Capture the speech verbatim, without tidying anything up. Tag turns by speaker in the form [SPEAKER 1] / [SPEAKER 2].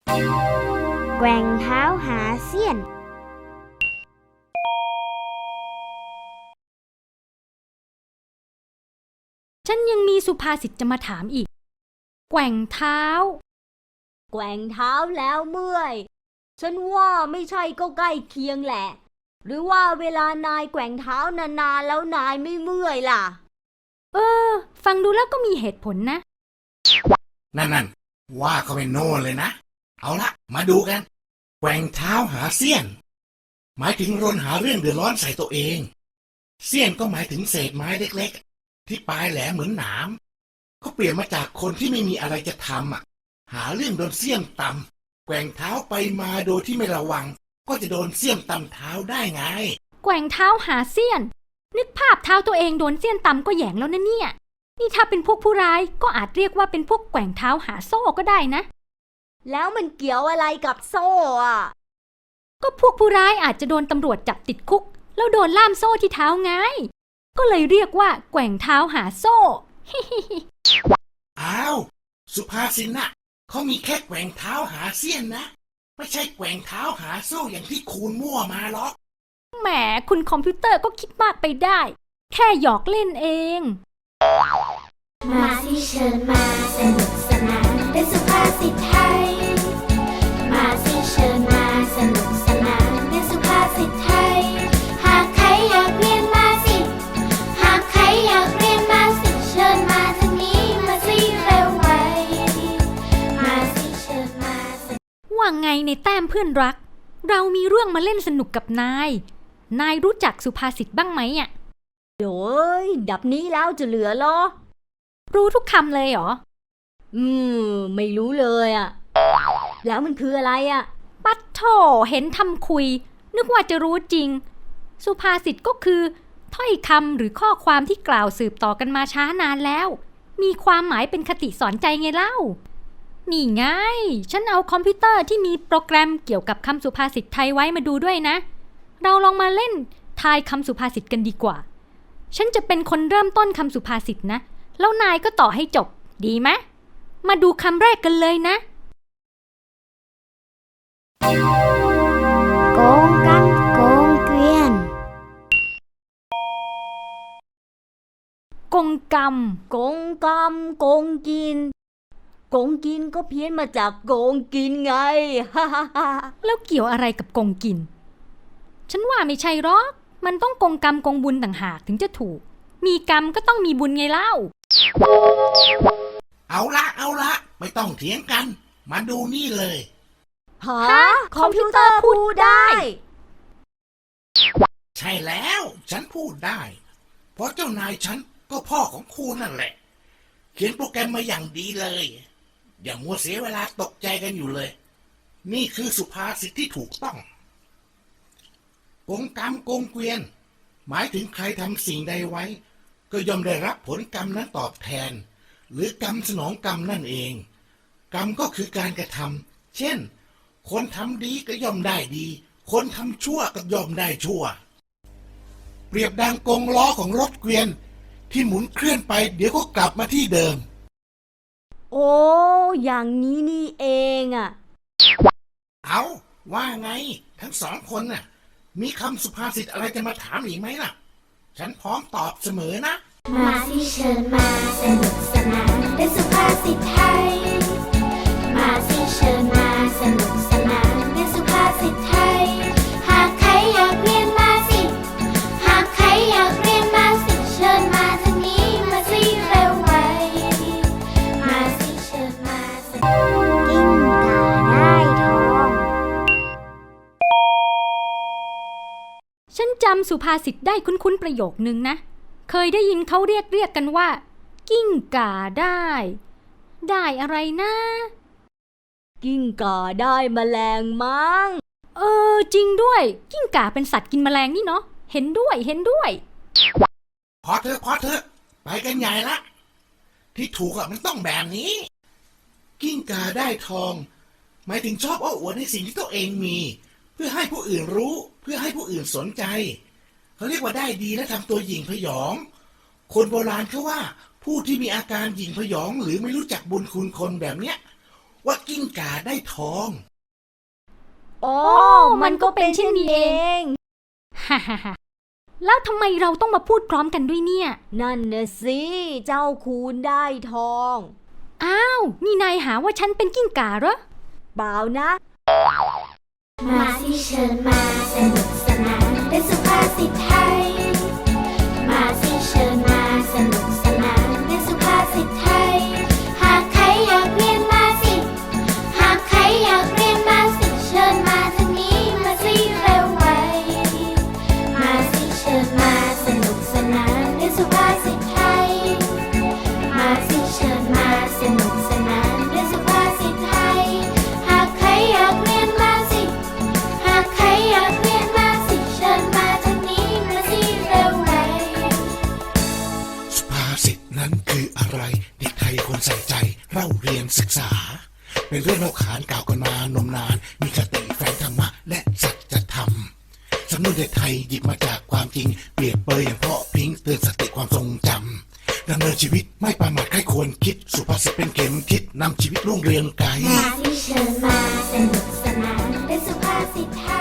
[SPEAKER 1] แกว่งเท้าหาเสี้ยน
[SPEAKER 2] ฉันยังมีสุภาษิตจะมาถามอีกแกว่งเท้า
[SPEAKER 3] แกว่งเท้าแล้วเมื่อยฉันว่าไม่ใช่ก็ใกล้เคียงแหละหรือว่าเวลานายแกว่งเท้านานๆแล้วนายไม่เมื่อยล่ะ
[SPEAKER 2] เออฟังดูแล้วก็มีเหตุผลนะ
[SPEAKER 4] นั่นนั่นว่าเขาเป็นโน่นเลยนะเอาละมาดูกันแกว่งเท้าหาเสี้ยนหมายถึงรนหาเรื่องเดือดร้อนใส่ตัวเองเสี้ยนก็หมายถึงเศษไม้เล็กๆที่ปลายแหลมเหมือนหนามก็เปลี่ยนมาจากคนที่ไม่มีอะไรจะทำอ่ะหาเรื่องโดนเสี้ยนตำแกว่งเท้าไปมาโดยที่ไม่ระวังก็จะโดนเสี้ยนตำเท้าได้ไง
[SPEAKER 2] แกว่งเท้าหาเสี้ยนนึกภาพเท้าตัวเองโดนเสี้ยนตำก็แหยงแล้วนะเนี่ยนี่ถ้าเป็นพวกผู้ร้ายก็อาจเรียกว่าเป็นพวกแกว่งเท้าหาโซ่ก็ได้นะ
[SPEAKER 3] แล้วมันเกี่ยวอะไรกับโซ่อะ
[SPEAKER 2] ก็พวกผู้ร้ายอาจจะโดนตำรวจจับติดคุกแล้วโดนล่ามโซ่ที่เท้าไงก็เลยเรียกว่าแกว่งเท้าหาโซ่
[SPEAKER 4] อ้าวสุภาษิตน่ะเขามีแค่แกว่งเท้าหาเสี้ยนนะไม่ใช่แกว่งเท้าหาโซ่อย่างที่คูณมั่วมาหรอก
[SPEAKER 2] แหมคุณคอมพิวเตอร์ก็คิดมากไปได้แค่หยอกเล่นเอง
[SPEAKER 5] มาสิเชิญมาสนุกสนานด้วยสุภาษิตไทยมาสิเชิญมาสนุกสนานด้วยสุภาษิตไทยหากใครอยากเรียนมาสิหากใครอยากเรียนมาสิเชิญมาทางนี้มาสิเร็วไวมาสิเชิญมา
[SPEAKER 2] ว่าไงในแต้มเพื่อนรักเรามีเรื่องมาเล่นสนุกกับนายนายรู้จักสุภาษิตบ้างไหมอ่ะ
[SPEAKER 3] โดยดับนี้แล้วจะเหลือหรอ
[SPEAKER 2] รู้ทุกคำเลยเหรอ
[SPEAKER 3] อืมไม่รู้เลยอ่ะแล้วมันคืออะไรอ่ะ
[SPEAKER 2] ปัดโถเห็นทำคุยนึกว่าจะรู้จริงสุภาษิตก็คือถ้อยคำหรือข้อความที่กล่าวสืบต่อกันมาช้านานแล้วมีความหมายเป็นคติสอนใจไงเล่านี่ไงฉันเอาคอมพิวเตอร์ที่มีโปรแกรมเกี่ยวกับคำสุภาษิตไทยไว้มาดูด้วยนะเราลองมาเล่นทายคำสุภาษิตกันดีกว่าฉันจะเป็นคนเริ่มต้นคำสุภาษิตนะแล้วนายก็ต่อให้จบดีไหมมาดูคำแรกกันเลยนะ
[SPEAKER 1] โกงกันโกงเกวียน
[SPEAKER 2] กงกรรม
[SPEAKER 3] โกงกรรมโกงกินโกงกินก็เพี้ยนมาจากโกงกินไง ฮ่าฮ่าฮ่า
[SPEAKER 2] แล้วเกี่ยวอะไรกับกงกินฉันว่าไม่ใช่หรอกมันต้องกงกรรมกงบุญต่างหากถึงจะถูกมีกรรมก็ต้องมีบุญไงเล่า
[SPEAKER 4] เอาละเอาละไม่ต้องเถียงกันมาดูนี่เลย
[SPEAKER 3] ฮะคอมพิวเตอร์พูดได้
[SPEAKER 4] ใช่แล้วฉันพูดได้เพราะเจ้านายฉันก็พ่อของครูนั่นแหละเขียนโปรแกรมมาอย่างดีเลยอย่ามัวเสียเวลาตกใจกันอยู่เลยนี่คือสุภาษิตที่ถูกต้องโกงกรรมโกงเกวียนหมายถึงใครทำสิ่งใดไว้ก็ย่อมได้รับผลกรรมนั้นตอบแทนหรือกรรมสนองกรรมนั่นเองกรรมก็คือการกระทำเช่นคนทำดีก็ย่อมได้ดีคนทำชั่วก็ย่อมได้ชั่วเปรียบดังกงล้อของรถเกวียนที่หมุนเคลื่อนไปเดี๋ยวก็กลับมาที่เดิม
[SPEAKER 3] โอ้อย่างนี้นี่เองอ่ะ
[SPEAKER 4] เอาว่าไงทั้งสองคนน่ะมีคำสุภาษิตอะไรจะมาถามอีกไหมล่ะฉันพร้อมตอบเสมอนะ
[SPEAKER 5] มาสิเชิญมาสนุกสนานด้วยสุภาษิตไทยมาสิเชิญมาสนุกสนานด้วยสุภาษิตไทยหากใครอยากเรียนมาสิหากใครอยากเรียนมาสิเชิญมาทางนี้มาสิเร็วไวมาสิเชิญมาสนุก
[SPEAKER 1] กิ้งก่าได้ทอง
[SPEAKER 2] ฉันจำสุภาษิตได้คุ้นๆประโยคนึงนะเคยได้ยินเขาเรียกเรียกกันว่ากิ้งก่าได้ได้อะไรนะ
[SPEAKER 3] กิ้งก่าได้แมลงมั้ง
[SPEAKER 2] เออจริงด้วยกิ้งก่าเป็นสัตว์กินแมลงนี่เนาะเห็นด้วยเห็นด้วย
[SPEAKER 4] พอเถอะพอเถอะไปกันใหญ่ละที่ถูกอะมันต้องแบบนี้กิ้งก่าได้ทองหมายถึงชอบอ้ออวดในสิ่งที่ตัวเองมีเพื่อให้ผู้อื่นรู้เพื่อให้ผู้อื่นสนใจเขาเรียกว่าได้ดีและทำตัวหยิ่งพยองคนโบราณเขาว่าผู้ที่มีอาการหยิ่งพยองหรือไม่รู้จักบุญคุณคนแบบเนี้ยว่ากิ้งก่าได้ทอง
[SPEAKER 3] อ๋อ มันก็เป็นเช่นนี้เอง
[SPEAKER 2] ฮ่าฮ่าฮ่าแล้วทำไมเราต้องมาพูดพร้อมกันด้วยเนี่ย
[SPEAKER 3] นั่นนะสิ เจ้าคูณได้ทอง
[SPEAKER 2] อ้าว นี่นายหาว่าฉันเป็นกิ้งก่าเหรอ
[SPEAKER 3] เปล่านะ
[SPEAKER 5] มาสิเชิญมาสนุกสนานด้วยสุภาษิตไทย มาสิเชิญมาสนุกสนานด้วยสุภาษิตไทย หากใครอยากเรียนมาสิ หากใครอยากเรียนมาสิเชิญมาทางนี้มาสิเร็วไว มาสิเชิญมาสนุกสนานด้วยสุภาษิตไทย มาสิเชิญมาสนุกสนานด้วยสุภาษิตไทย หากใครอยากเรียนมาสิ หากใครอยากเรียนมาสิเชิญมาทางนี้มาสิเร็วไว
[SPEAKER 4] สุภาษิตนั้นคืออะไรเด็กไทยควรใส่ใจเราเรียนศึกษา เป็นเรื่องเล่าขานกล่าวกันมานมนาน มีคติแฝงธรรมะและสัจธรรมสำนวนเด็กไทยหยิบมาจากความจริงเปรียบเปรยอย่างเพาะพริ้งเตือนสติความทรงจำดำเนินชีวิตไม่ประมาทใครควรคิดสุภาษิตเป็นเข็มทิศนำชีวิตรุ่งเรืองไกล
[SPEAKER 5] มาสิเชิญมาสนุกสนานด้วยสุภาษิตไท